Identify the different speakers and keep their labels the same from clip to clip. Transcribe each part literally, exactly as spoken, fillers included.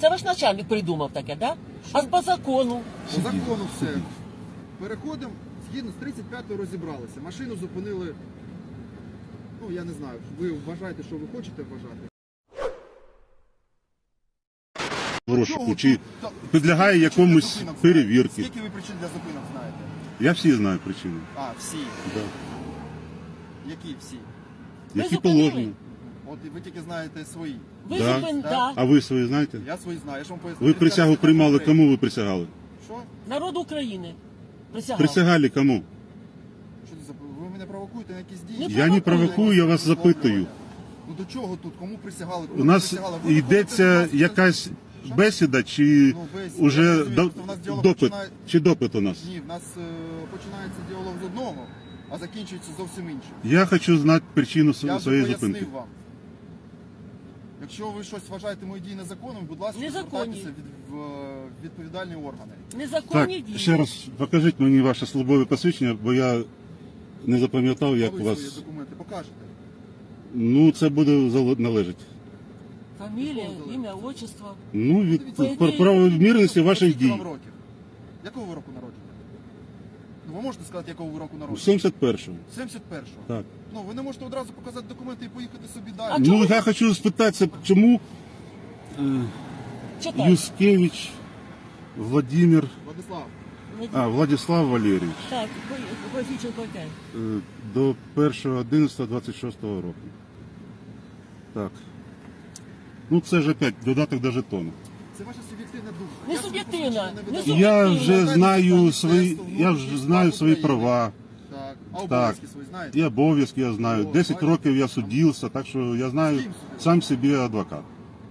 Speaker 1: Це ваш начальник придумав таке, да? А по закону?
Speaker 2: По закону все. Переходимо, згідно з тридцять п'ятою розібралися. Машину зупинили, ну я не знаю, ви вважаєте, що ви хочете вважати.
Speaker 3: В розшуку,
Speaker 2: Чого
Speaker 3: чи
Speaker 2: тут-
Speaker 3: підлягає
Speaker 2: скільки ви
Speaker 3: якомусь
Speaker 2: зупинок знаєте?
Speaker 3: перевірці.
Speaker 2: Скільки ви причин для зупинок знаєте?
Speaker 3: Я всі знаю причини.
Speaker 2: А, всі.
Speaker 3: Да.
Speaker 2: Які всі?
Speaker 3: Які
Speaker 1: зупинили?
Speaker 3: положені.
Speaker 2: От і ви тільки знаєте свої.
Speaker 1: Ви
Speaker 3: Да.
Speaker 1: зупин...
Speaker 2: Да.
Speaker 1: Да.
Speaker 3: А ви свої знаєте?
Speaker 2: Я свої знаю, я ж вам поясню.
Speaker 3: Ви присягу приймали, кому ви присягали?
Speaker 2: Що?
Speaker 1: Народ України присягав.
Speaker 3: Присягали кому?
Speaker 2: Що це за... Ви мене провокуєте на якісь дії?
Speaker 1: Не
Speaker 3: Я не провокую, я вас запитую.
Speaker 2: Ну до чого тут? Кому присягали? Кому
Speaker 3: У нас
Speaker 2: присягали? Ви виходите
Speaker 3: йдеться
Speaker 2: до нас,
Speaker 3: якась
Speaker 2: Що?
Speaker 3: бесіда, чи
Speaker 2: Ну, бесіда. Я
Speaker 3: уже
Speaker 2: розумію,
Speaker 3: до-
Speaker 2: просто в нас діалог
Speaker 3: допит?
Speaker 2: починає-
Speaker 3: Чи допит у нас?
Speaker 2: Ні, в нас е, починається діалог з одного, а закінчується зовсім іншим.
Speaker 3: Я хочу знати причину
Speaker 2: Я
Speaker 3: св-
Speaker 2: вже
Speaker 3: своєї
Speaker 2: пояснив
Speaker 3: зупинки.
Speaker 2: вам. Якщо ви щось вважаєте мої дії незаконними, будь ласка,
Speaker 1: Незаконні.
Speaker 2: звертайтеся від, в е, відповідальні органи.
Speaker 3: Так,
Speaker 1: Незаконні дії.
Speaker 3: ще раз покажіть мені ваше службове посвідчення, бо я не запам'ятав, як
Speaker 2: А ви
Speaker 3: у
Speaker 2: свої
Speaker 3: вас.
Speaker 2: документи покажете.
Speaker 3: Ну, це буде зал- належить.
Speaker 1: Фамілія, ім'я, отчество.
Speaker 3: Ну, від
Speaker 2: Дивіться,
Speaker 3: пр- правомірності ваших
Speaker 2: Скільки
Speaker 3: дій.
Speaker 2: вам років? Якого ви року народження? Ну, ви можете сказати, якого ви року народження?
Speaker 3: сімдесят першого.
Speaker 2: сімдесят першого.
Speaker 3: Так.
Speaker 2: Ну, ви не можете одразу показати документи і поїхати собі
Speaker 1: А
Speaker 2: далі.
Speaker 1: чому?
Speaker 3: Ну, я хочу спитатися, чому е,
Speaker 1: Читай.
Speaker 3: Юскевич Владимир,
Speaker 2: Владислав,
Speaker 3: а, Владислав Валерійович
Speaker 1: Так, Войфіченко опять.
Speaker 3: е, до першого одинадцятого двадцять шостого року. Так. Ну, це ж опять додаток до жетону.
Speaker 2: це ваша суб'єктивна думка.
Speaker 1: Не
Speaker 2: Я собі
Speaker 1: суб'єктивна,
Speaker 2: посвідчення
Speaker 1: не
Speaker 2: видаю.
Speaker 1: суб'єктивна.
Speaker 3: Я вже
Speaker 2: Знаєте,
Speaker 3: знаю
Speaker 2: стан
Speaker 3: свої,
Speaker 2: міністерства
Speaker 3: я
Speaker 2: внутрішніх
Speaker 3: вже знаю
Speaker 2: справ
Speaker 3: свої
Speaker 2: України.
Speaker 3: права.
Speaker 2: Так. А
Speaker 3: Так.
Speaker 2: обов'язки свої знаєте?
Speaker 3: І обов'язки я знаю.
Speaker 2: О,
Speaker 3: десять
Speaker 2: бачите?
Speaker 3: років я судився, так що я знаю
Speaker 2: З ким судився?
Speaker 3: сам собі адвокат.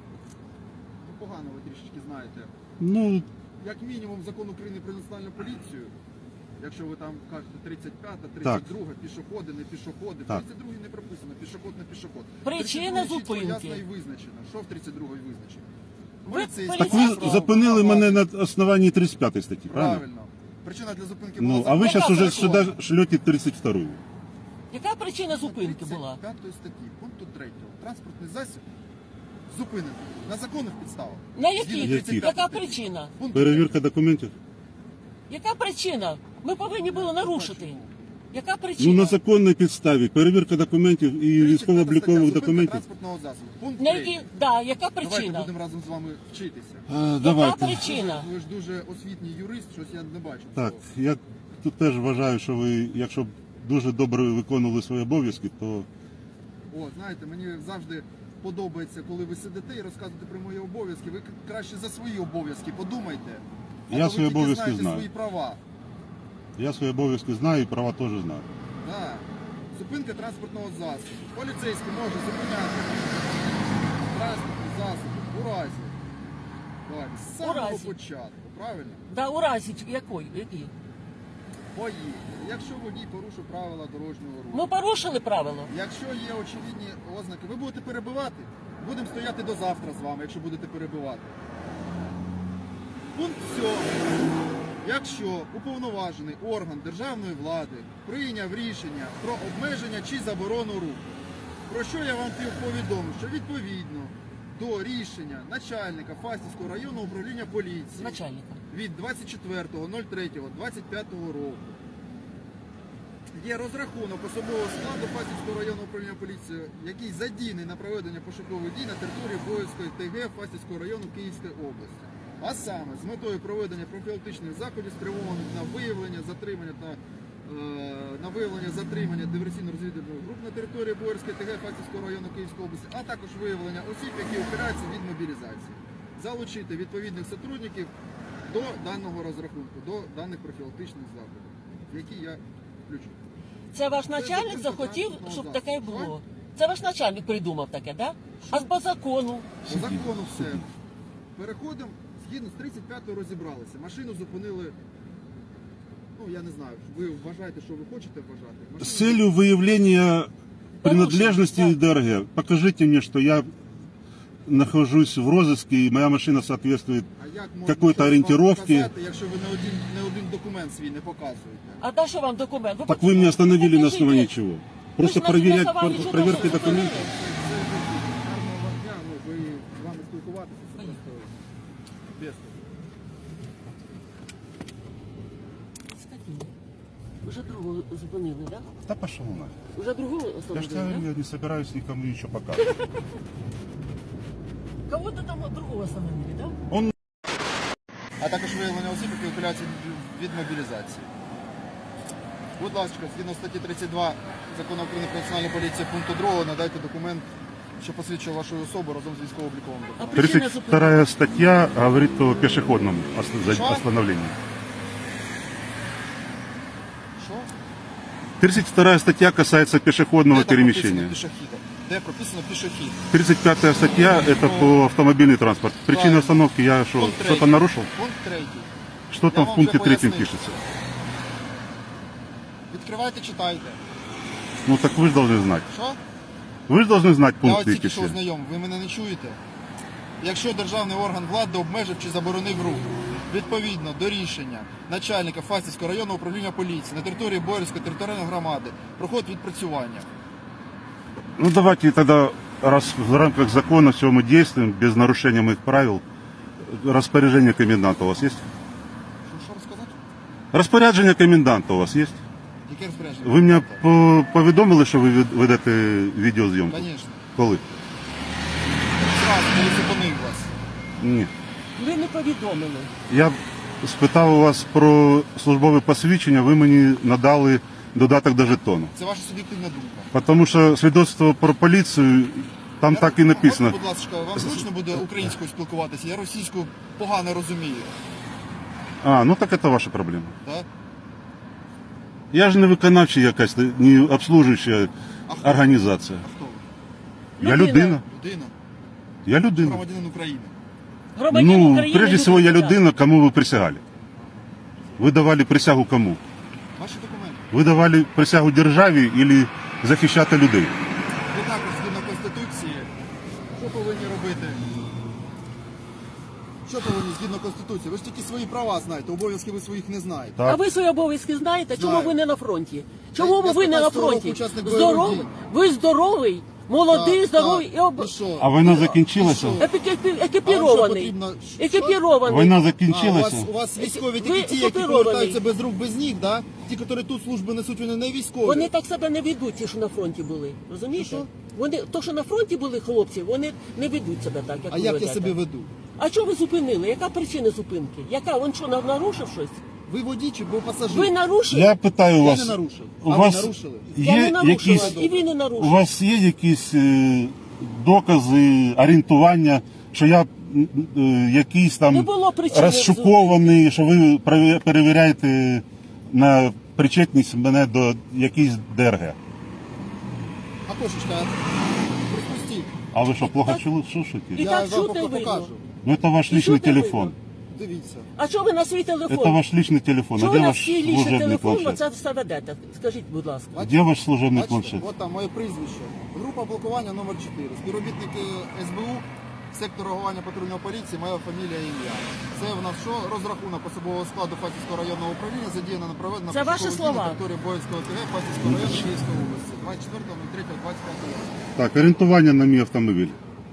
Speaker 2: Ну, погано ви трішечки знаєте.
Speaker 3: Ну,
Speaker 2: Як мінімум закон України про національну поліцію, якщо ви там кажете тридцять п'ята, тридцять друга, пішоходи, не пішоходи. В
Speaker 3: Так.
Speaker 2: тридцять другій не прописано, пішоход, не пішоход.
Speaker 1: Причина
Speaker 2: тридцять другій чітко,
Speaker 1: зупинки.
Speaker 2: ясно і визначено. Що в тридцять другій визначено?
Speaker 1: Ви
Speaker 2: Поліцейський
Speaker 3: так
Speaker 1: Поліцейський.
Speaker 3: ви
Speaker 2: право,
Speaker 3: зупинили
Speaker 2: право.
Speaker 3: мене на основанні тридцять п'ятої статті, правильно?
Speaker 2: Правильно. Причина для зупинки
Speaker 3: Ну,
Speaker 2: була
Speaker 3: а ви
Speaker 2: закон.
Speaker 3: зараз уже
Speaker 1: закон.
Speaker 3: сюди шлете тридцять вторую.
Speaker 1: Яка причина зупинки була?
Speaker 2: тридцять п'ятої статті, пункту третього. Транспортний засіб зупинений на законних підставах.
Speaker 1: На
Speaker 2: Згідно
Speaker 1: яких?
Speaker 2: тридцять п'ятої
Speaker 1: Яка
Speaker 2: статті.
Speaker 1: причина?
Speaker 2: Пункт
Speaker 3: Перевірка документів?
Speaker 1: Яка причина? Ми повинні були нарушити. Яка
Speaker 3: Ну,
Speaker 1: причина?
Speaker 3: на законній підставі. Перевірка документів і
Speaker 2: тридцять п'ята
Speaker 3: військово-облікових
Speaker 2: стаття, зупинка
Speaker 3: документів.
Speaker 2: транспортного засобу. Пункт
Speaker 1: На
Speaker 2: третій.
Speaker 1: які... Да, яка
Speaker 2: Давайте
Speaker 1: причина?
Speaker 2: будемо разом з вами вчитися.
Speaker 3: А, давайте.
Speaker 1: причина?
Speaker 2: Ви ж дуже освітній юрист, щось я не бачу.
Speaker 3: Так,
Speaker 2: цього.
Speaker 3: я тут теж вважаю, що ви, якщо б дуже добре виконували свої обов'язки, то
Speaker 2: О, знаєте, мені завжди подобається, коли ви сидите і розказуєте про мої обов'язки. Ви краще за свої обов'язки подумайте. А
Speaker 3: Я
Speaker 2: то ви
Speaker 3: свої
Speaker 2: тільки
Speaker 3: обов'язки
Speaker 2: знаєте
Speaker 3: знаю.
Speaker 2: свої права.
Speaker 3: я свої обов'язки знаю і права теж знаю.
Speaker 2: Да. Зупинка транспортного засобу. Поліцейський може зупиняти транспортні засоби у разі. Давайте, з
Speaker 1: У
Speaker 2: самого
Speaker 1: разі.
Speaker 2: початку, правильно?
Speaker 1: Да, у разі якої? Які?
Speaker 2: Поїхали. Якщо водій порушив правила дорожнього руху.
Speaker 1: Ми порушили правила.
Speaker 2: Якщо є очевидні ознаки, ви будете перебивати? Будемо стояти до завтра з вами, якщо будете перебивати. Пункт сьомий. Якщо уповноважений орган державної влади прийняв рішення про обмеження чи заборону руху, про що я вам повідомив, що відповідно до рішення начальника Фастівського районного управління поліції
Speaker 1: Начальника.
Speaker 2: від двадцять четвертого третього двадцять п'ятого року є розрахунок особового складу Фастівського районного управління поліції, який задійний на проведення пошукових дій на території Боївської ТГ Фастівського району Київської області. А саме з метою проведення профілактичних заходів, спрямованих на виявлення, затримання та е, на виявлення затримання диверсійно-розвідувальних груп на території Боївської ТГ Фастівського району Київської області, а також виявлення осіб, які опираються від мобілізації. Залучити відповідних сотрудників до даного розрахунку, до даних профілактичних заходів, які я включу.
Speaker 1: Це ваш начальник
Speaker 2: зупинка
Speaker 1: захотів,
Speaker 2: транспортного
Speaker 1: щоб
Speaker 2: засобу.
Speaker 1: таке було. Це ваш начальник придумав таке, да? А по закону?
Speaker 2: По закону все. Переходимо, згідно з тридцять п'ятою розібралися. Машину зупинили, ну я не знаю, ви вважаєте, що ви хочете вважати. Машину
Speaker 3: С целью выявления принадлежности
Speaker 1: да.
Speaker 3: ДРГ, покажите мне, что я нахожусь в розыске и моя машина соответствует
Speaker 2: А як можна
Speaker 3: какой-то
Speaker 2: щось вам
Speaker 3: ориентировки.
Speaker 2: показати, якщо ви не один, не один документ свій не показуєте?
Speaker 1: А та що вам документ?
Speaker 3: Так вы меня остановили на
Speaker 1: покажите.
Speaker 3: основании чего? Просто
Speaker 1: Вы же на
Speaker 3: проверять,
Speaker 1: основании
Speaker 3: про-
Speaker 1: чего
Speaker 3: проверки
Speaker 1: должны
Speaker 3: документов?
Speaker 2: Це гарного вам дня, ну ви з вами спілкуватися, це просто Без.
Speaker 1: Скотина. Уже другого зупинили, так?
Speaker 3: Да пошел на.
Speaker 1: Да? Уже другого
Speaker 3: Я же
Speaker 1: остановили,
Speaker 3: говорю,
Speaker 1: да?
Speaker 3: я не собираюсь никому ничего показывать.
Speaker 1: Кого-то там другого остановили, да?
Speaker 3: Он
Speaker 2: А також виявлення осіб, які ухиляються від мобілізації. Будь ласка, згідно статті тридцять два Закону України про національну поліцію пункту другого надайте документ, що посвідчує вашу особу разом з військово-обліковим
Speaker 1: А
Speaker 2: документом.
Speaker 1: причина
Speaker 3: тридцать
Speaker 1: зупинки?
Speaker 3: вторая статья говорит о пешеходном ос-
Speaker 2: Что?
Speaker 3: остановлении.
Speaker 2: Що?
Speaker 3: тридцать вторая статья касается пешеходного
Speaker 2: Де там прописано
Speaker 3: перемещения.
Speaker 2: пішохідом? Де прописано пішохід?
Speaker 3: тридцать пятая статья это по автомобильный транспорт. Причина
Speaker 2: Правильно.
Speaker 3: остановки я что,
Speaker 2: Пункт
Speaker 3: что-то
Speaker 2: третій.
Speaker 3: нарушил?
Speaker 2: Пункт третій.
Speaker 3: Что
Speaker 2: Я
Speaker 3: там в
Speaker 2: вам
Speaker 3: пункте
Speaker 2: вже
Speaker 3: третьем
Speaker 2: пояснив.
Speaker 3: пишется?
Speaker 2: Відкривайте, читайте.
Speaker 3: Ну так вы же должны знать.
Speaker 2: Що?
Speaker 3: Вы же должны знать
Speaker 2: Я
Speaker 3: пункт
Speaker 2: от тільки що
Speaker 3: третий.
Speaker 2: ознайом, ви мене не чуєте? Якщо державний орган влади обмежив чи заборонив рух, відповідно до рішення начальника Фастівського районного управління поліції на території Боярської територіальної громади проходить відпрацювання.
Speaker 3: Ну давайте тогда, раз в рамках закона все мы действуем, без нарушения моих правил, распоряжение коменданта у вас есть?
Speaker 2: Що, що розказати?
Speaker 3: Распорядження коменданта у вас є?
Speaker 2: Яке розпорядження?
Speaker 3: Ви мене по- повідомили, що ви від- ведете відеозйомку?
Speaker 2: Звісно.
Speaker 3: Коли?
Speaker 2: Зразу, коли зупинив вас.
Speaker 3: Ні.
Speaker 1: Ви не повідомили.
Speaker 3: Я спитав у вас про службове посвідчення, ви мені надали додаток до жетону.
Speaker 2: Це ваша суб'єктивна думка.
Speaker 3: Тому що свідоцтво про поліцію, там
Speaker 2: Я-
Speaker 3: так і написано.
Speaker 2: Можна, будь ласка, вам зручно буде українською спілкуватися? Я російську погано розумію.
Speaker 3: А, ну так це ваша проблема.
Speaker 2: Так?
Speaker 3: Я ж не виконавча якась, не обслужуюча
Speaker 2: А хто?
Speaker 3: організація.
Speaker 2: А хто ви?
Speaker 3: Я
Speaker 1: Людина.
Speaker 3: людина.
Speaker 2: Людина?
Speaker 3: Я людина.
Speaker 2: Громадянин України.
Speaker 1: Громадянин
Speaker 3: Ну,
Speaker 1: України.
Speaker 3: прежде всего, я
Speaker 1: людина.
Speaker 3: людина, кому вы присягали. Вы давали присягу кому?
Speaker 2: Ваші документи.
Speaker 3: Ви давали присягу державі или захищати людей?
Speaker 2: Ви також згідно Конституції, що повинні робити? Що повинні згідно Конституції? Ви ж тільки свої права знаєте, обов'язки ви своїх не знаєте.
Speaker 1: А
Speaker 3: Так.
Speaker 1: ви свої обов'язки знаєте? Чому
Speaker 2: Знаю.
Speaker 1: ви не на фронті? Чому
Speaker 2: Я- я
Speaker 1: ви не на
Speaker 2: п'ятнадцятого року
Speaker 1: фронті?
Speaker 2: учасник бойових
Speaker 1: Здоровий,
Speaker 2: дій.
Speaker 1: ви здоровий, молодий,
Speaker 2: Так,
Speaker 1: здоровий
Speaker 2: так.
Speaker 1: і об...
Speaker 2: І що?
Speaker 3: А війна закінчилася?
Speaker 2: І що?
Speaker 1: екіпі-
Speaker 2: А вам що
Speaker 1: екіпірований.
Speaker 2: потрібно? Що?
Speaker 1: Екіпірований.
Speaker 3: Війна
Speaker 2: А, у
Speaker 3: закінчилася?
Speaker 2: вас, у вас військові
Speaker 1: Ви
Speaker 2: тільки ті, які
Speaker 1: окупірований.
Speaker 2: повертаються без рук, без ніг, да? Ті, які тут служби несуть, вони не військові.
Speaker 1: Вони так себе не ведуть, ті, що на фронті були. Розумієте?
Speaker 2: Що, що?
Speaker 1: Вони, то, що на фронті були хлопці, вони не ведуть себе так, як
Speaker 2: А
Speaker 1: ви
Speaker 2: як я
Speaker 1: ведете.
Speaker 2: себе веду?
Speaker 1: А чого ви зупинили? Яка причина зупинки? Яка? Він що, на- нарушив щось?
Speaker 2: Ви водій чи був пасажир?
Speaker 1: Ви нарушили?
Speaker 3: Я питаю
Speaker 2: Я
Speaker 3: вас,
Speaker 2: не нарушив.
Speaker 3: у
Speaker 2: А
Speaker 3: вас
Speaker 2: ви нарушили?
Speaker 1: Я
Speaker 3: є
Speaker 1: не нарушила,
Speaker 3: якісь,
Speaker 1: і ви не
Speaker 3: у
Speaker 1: нарушили.
Speaker 3: вас є якісь е, докази, орієнтування, що я м, е, якийсь
Speaker 1: Не
Speaker 3: там
Speaker 1: було причини
Speaker 3: розшукований, що ви пере- перевіряєте на причетність мене до якійсь ДРГ?
Speaker 2: А кошечка, пропустіть.
Speaker 3: А ви що, плохо
Speaker 1: так-
Speaker 3: чули? Що шутите?
Speaker 1: І
Speaker 2: Я
Speaker 1: так
Speaker 2: вам
Speaker 1: чути
Speaker 2: поки
Speaker 1: видно.
Speaker 2: покажу.
Speaker 3: Ну это ваш
Speaker 1: І
Speaker 3: личный
Speaker 1: чути
Speaker 3: телефон.
Speaker 1: видно.
Speaker 2: Дивіться.
Speaker 1: А що ви на свій телефон?
Speaker 3: Это ваш личный телефон.
Speaker 1: Чого
Speaker 3: А
Speaker 1: ви
Speaker 3: где
Speaker 1: на
Speaker 3: ваш
Speaker 1: свій лічний
Speaker 3: служебный
Speaker 1: телефон
Speaker 3: планшет?
Speaker 1: оце все ведете? Скажіть, будь ласка.
Speaker 3: Где ваш служебный
Speaker 2: Бачите,
Speaker 3: планшет?
Speaker 2: от там моє прізвище. Група блокування номер чотири. Співробітники ес бе у, сектор реагування патрульної поліції, моя фамілія і ім'я. Це в нас що? Розрахунок особового складу Фастівського районного управління задіяно на проведення
Speaker 1: Це ваші слова.
Speaker 2: на території Боївського ТГ Фастівського району Київської області. двадцять четвертого третього двадцять п'ятого року.
Speaker 3: Так, орієнтування на мій автомобіль.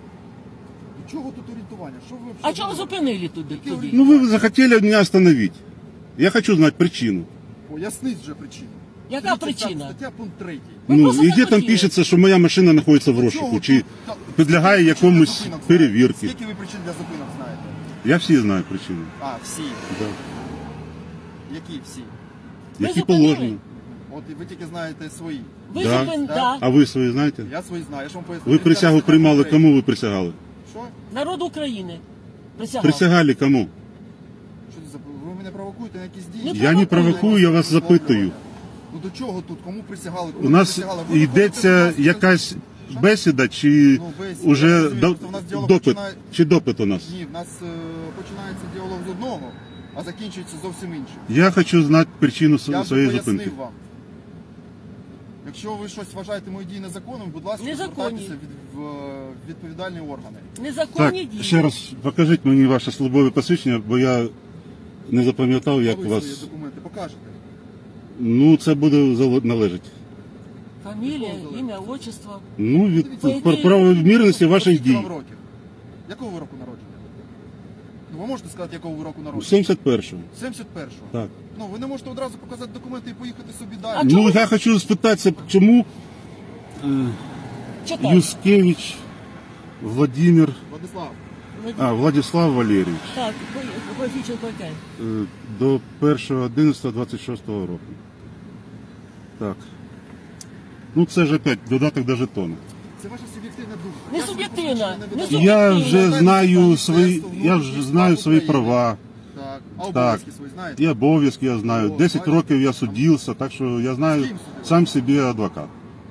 Speaker 2: До чого тут орієнтування? Що ви
Speaker 1: А чого ви зупинили туди? туди?
Speaker 3: Ну вы захотели меня остановить. Я хочу знать причину.
Speaker 2: Поясніть вже причину.
Speaker 1: Яка
Speaker 2: тридцять п'ята
Speaker 1: причина?
Speaker 2: Стаття пункт третій.
Speaker 1: Ви
Speaker 3: Ну
Speaker 1: просто
Speaker 3: і де там
Speaker 1: захотіли.
Speaker 3: пишеться, що моя машина знаходиться в
Speaker 2: Чого
Speaker 3: розшуку,
Speaker 2: тут?
Speaker 3: чи
Speaker 2: Та-
Speaker 3: підлягає
Speaker 2: скільки причин для
Speaker 3: якомусь
Speaker 2: зупинок знаєте?
Speaker 3: перевірці.
Speaker 2: Скільки ви причин для зупинок знаєте?
Speaker 3: Я всі знаю причини.
Speaker 2: А, всі.
Speaker 3: Да.
Speaker 2: Які всі?
Speaker 1: Ви
Speaker 3: Які
Speaker 1: зупинили?
Speaker 3: положені.
Speaker 2: От і ви тільки знаєте свої.
Speaker 1: Ви
Speaker 3: Да.
Speaker 1: зупин...
Speaker 2: Да.
Speaker 1: Да.
Speaker 3: А ви свої знаєте?
Speaker 2: Я свої знаю, я ж вам поясню.
Speaker 3: Ви присягу
Speaker 2: тридцять
Speaker 3: приймали,
Speaker 2: третій.
Speaker 3: кому ви присягали?
Speaker 2: Що?
Speaker 1: Народ України. Присягав.
Speaker 3: Присягали кому?
Speaker 2: Що це за... Ви мене провокуєте на якісь дії?
Speaker 1: Не
Speaker 3: Я не провокую, я вас запитую.
Speaker 2: Ну до чого тут? Кому присягали? Кому
Speaker 3: У нас
Speaker 2: присягали? Ви
Speaker 3: йдеться
Speaker 2: виходите, будь ласка,
Speaker 3: якась
Speaker 2: Що?
Speaker 3: бесіда, чи
Speaker 2: Ну, бесіда.
Speaker 3: уже
Speaker 2: Я розумію,
Speaker 3: до-
Speaker 2: що в нас діалог
Speaker 3: допит,
Speaker 2: починає-
Speaker 3: чи допит у нас?
Speaker 2: Ні, в нас е, починається діалог з одного, а закінчується зовсім іншим.
Speaker 3: Я хочу знати причину
Speaker 2: Я вже
Speaker 3: своєї
Speaker 2: пояснив
Speaker 3: зупинки.
Speaker 2: вам. Якщо ви щось вважаєте мої дії незаконними, будь ласка,
Speaker 1: Незаконні.
Speaker 2: звертайтеся від, в відповідальні органи.
Speaker 3: Так,
Speaker 1: Незаконні дії.
Speaker 3: ще раз покажіть мені ваше службове посвідчення, бо я не запам'ятав, як
Speaker 2: А ви
Speaker 3: вас.
Speaker 2: свої документи покажете.
Speaker 3: Ну, це буде зал- належить.
Speaker 1: Фамілія, ім'я, отчество.
Speaker 3: Ну, від
Speaker 2: Дивіться,
Speaker 3: про- правомірності ваших
Speaker 2: Скільки
Speaker 3: дій.
Speaker 2: вам років? Якого ви року народження? Ну, ви можете сказати, якого ви року народження?
Speaker 3: сімдесят першого.
Speaker 2: сімдесят першого.
Speaker 3: Так.
Speaker 2: Ну, ви не можете одразу показати документи і поїхати собі
Speaker 1: А
Speaker 2: далі.
Speaker 1: чому
Speaker 3: Ну,
Speaker 1: ви-
Speaker 3: я хочу спитатися, чому е,
Speaker 1: Читай.
Speaker 3: Юскевич Владимир,
Speaker 2: Владислав,
Speaker 3: а, Владислав Валерійович
Speaker 1: Так, Коефіцієнт яке?
Speaker 3: е, до першого одинадцятого двадцять шостого року. Так. Ну, це ж опять додаток до жетону.
Speaker 2: це ваша суб'єктивна думка.
Speaker 1: Не
Speaker 2: Я собі
Speaker 1: суб'єктивна,
Speaker 2: посвідчення
Speaker 1: не
Speaker 2: видаю.
Speaker 1: суб'єктивна.
Speaker 3: Я вже
Speaker 2: Звертайтеся
Speaker 3: знаю
Speaker 2: до
Speaker 3: свої,
Speaker 2: Міністерства
Speaker 3: я
Speaker 2: внутрішніх
Speaker 3: вже знаю
Speaker 2: справ
Speaker 3: свої
Speaker 2: України.
Speaker 3: права.
Speaker 2: Так. А обов'язки свої знаєте?
Speaker 3: І обов'язки я знаю.
Speaker 2: О,
Speaker 3: десять
Speaker 2: бачите?
Speaker 3: років я судився, так що я знаю
Speaker 2: З ким судився?
Speaker 3: сам собі адвокат.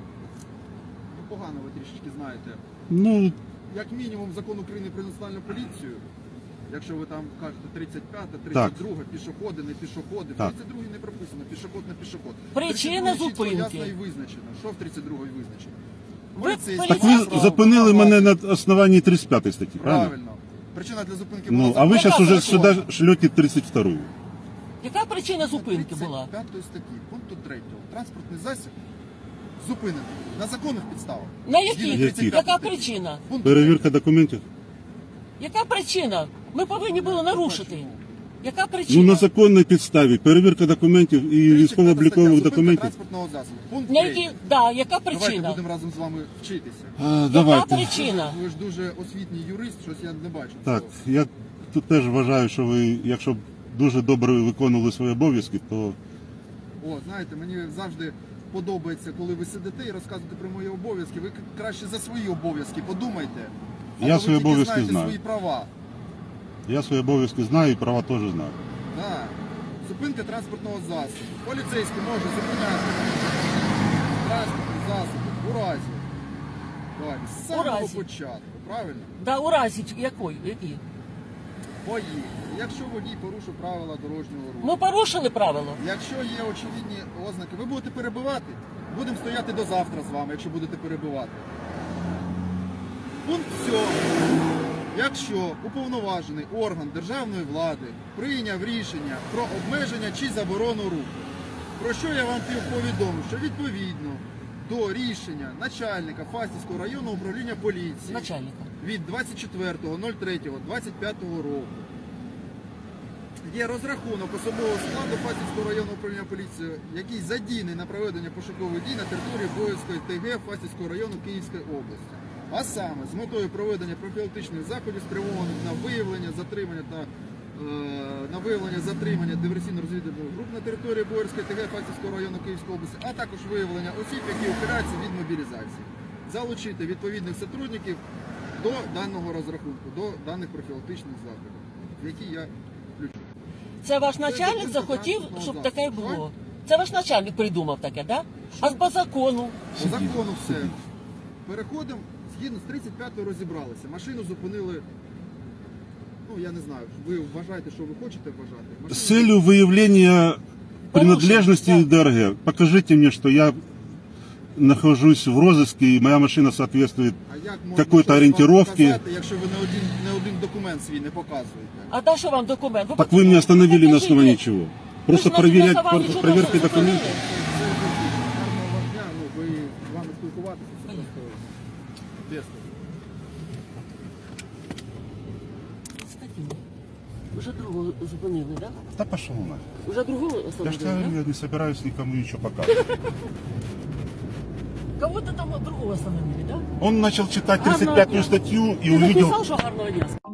Speaker 2: Ну, погано ви трішечки знаєте.
Speaker 3: Ну,
Speaker 2: Як мінімум закон України про національну поліцію, якщо ви там кажете тридцять п'ята,
Speaker 3: Так.
Speaker 2: тридцять друга, пішоходи, не пішоходи. В
Speaker 3: Так.
Speaker 2: тридцять другій не прописано, пішоход, не пішоход.
Speaker 1: Причина
Speaker 2: тридцять другій чітко,
Speaker 1: зупинки.
Speaker 2: ясно і визначено. Що в тридцять другій визначено?
Speaker 1: Ви
Speaker 2: Поліцейський
Speaker 3: так
Speaker 1: поліцейський.
Speaker 3: ви
Speaker 2: має
Speaker 3: зупинили
Speaker 2: право
Speaker 3: мене
Speaker 2: вимагати.
Speaker 3: на основанні тридцять п'ятої статті, правильно?
Speaker 2: Правильно. Причина для зупинки
Speaker 3: Ну,
Speaker 2: була
Speaker 3: а ви
Speaker 1: Яка
Speaker 3: зараз уже
Speaker 1: причина?
Speaker 3: сюди шлете тридцять вторую.
Speaker 1: Яка причина зупинки була?
Speaker 2: тридцять п'ятої статті, пункту третього. Транспортний засіб зупинений на законних підставах.
Speaker 1: На
Speaker 2: Згідно
Speaker 1: яких?
Speaker 3: Яких?
Speaker 2: тридцять п'ятої
Speaker 1: Яка
Speaker 2: статті.
Speaker 1: причина?
Speaker 2: Пункт
Speaker 3: Перевірка документів?
Speaker 1: Яка причина? Ми повинні були нарушити. Яка
Speaker 3: Ну,
Speaker 1: причина?
Speaker 3: на законній підставі. Перевірка документів і
Speaker 2: тридцять п'ята
Speaker 3: військово-облікових
Speaker 2: стаття, зупинка
Speaker 3: документів.
Speaker 2: транспортного засобу. Пункт
Speaker 1: На
Speaker 2: третій.
Speaker 1: які... Да, яка
Speaker 2: Давайте
Speaker 1: причина?
Speaker 2: будемо разом з вами вчитися.
Speaker 3: А,
Speaker 1: Яка
Speaker 3: давайте.
Speaker 1: причина?
Speaker 2: Ви ж дуже освітній юрист, щось я не бачу.
Speaker 3: Так,
Speaker 2: цього.
Speaker 3: я тут теж вважаю, що ви, якщо б дуже добре виконували свої обов'язки, то
Speaker 2: О, знаєте, мені завжди подобається, коли ви сидите і розказуєте про мої обов'язки. Ви краще за свої обов'язки подумайте. А
Speaker 3: Я
Speaker 2: то ви
Speaker 3: свої
Speaker 2: тільки
Speaker 3: обов'язки
Speaker 2: знаєте
Speaker 3: знаю.
Speaker 2: свої права.
Speaker 3: я свої обов'язки знаю і права теж знаю.
Speaker 2: Да. Зупинка транспортного засобу. Поліцейський може зупиняти транспортний засіб у разі. Давайте, з самого
Speaker 1: разі.
Speaker 2: початку, правильно?
Speaker 1: Да, у разі якої? Які?
Speaker 2: Поїхали. Якщо водій порушив правила дорожнього руху.
Speaker 1: Ми порушили правило.
Speaker 2: Якщо є очевидні ознаки, ви будете перебивати, будемо стояти до завтра з вами, якщо будете перебивати. Пункт сьомий. Якщо уповноважений орган державної влади прийняв рішення про обмеження чи заборону руху, про що я вам повідомив, що відповідно до рішення начальника Фастівського районного управління поліції
Speaker 1: Начальника.
Speaker 2: від двадцять четвертого третього двадцять п'ятого року є розрахунок особового складу Фастівського районного управління поліції, який задійний на проведення пошукових дій на території Боївської ТГ Фастівського району Київської області. А саме з метою проведення профілактичних заходів, спрямованих на виявлення, затримання та е, на виявлення затримання диверсійно-розвідувальних груп на території Боївської ТГ Фастівського району Київської області, а також виявлення осіб, які ухиляються від мобілізації. Залучити відповідних сотрудників до даного розрахунку, до даних профілактичних заходів, які я включу.
Speaker 1: Це ваш начальник захотів, щоб таке було. Це ваш начальник придумав таке, да? А по закону?
Speaker 2: По закону все. Переходимо, згідно з тридцять п'ятою розібралися. Машину зупинили, ну я не знаю, ви вважаєте, що ви хочете вважати.
Speaker 3: С
Speaker 2: Машину
Speaker 3: целью выявления принадлежности
Speaker 1: Порушен,
Speaker 3: ДРГ, покажите мне, что я нахожусь в розыске и моя машина соответствует.
Speaker 2: А як можна
Speaker 3: какой-то
Speaker 2: щось вам
Speaker 3: ориентировки.
Speaker 2: показати, якщо ви не один, не один документ свій не показуєте?
Speaker 1: А да що вам документ?
Speaker 3: Так вы меня остановили на
Speaker 1: покажите.
Speaker 3: основании чего? Просто
Speaker 1: Ви ж на-
Speaker 3: проверять,
Speaker 1: на основании чого
Speaker 3: проверки
Speaker 1: зупинили?
Speaker 3: документов?
Speaker 2: Це гарного вам дня, ну ви з вами спілкуватися, це
Speaker 1: Понятно.
Speaker 2: просто без.
Speaker 1: Скотина. Уже другого зупинили, да?
Speaker 3: Да пошел на.
Speaker 1: Уже другого
Speaker 3: Я же
Speaker 1: остановили,
Speaker 3: говорю,
Speaker 1: да?
Speaker 3: я не собираюсь никому ничего показывать.
Speaker 1: Кого-то там другого остановили, да?
Speaker 3: Он начал читать
Speaker 1: Гарного
Speaker 3: тридцать пятую
Speaker 1: дня.
Speaker 3: статью и
Speaker 1: Ты
Speaker 3: увидел...
Speaker 1: написал, что гарного дня?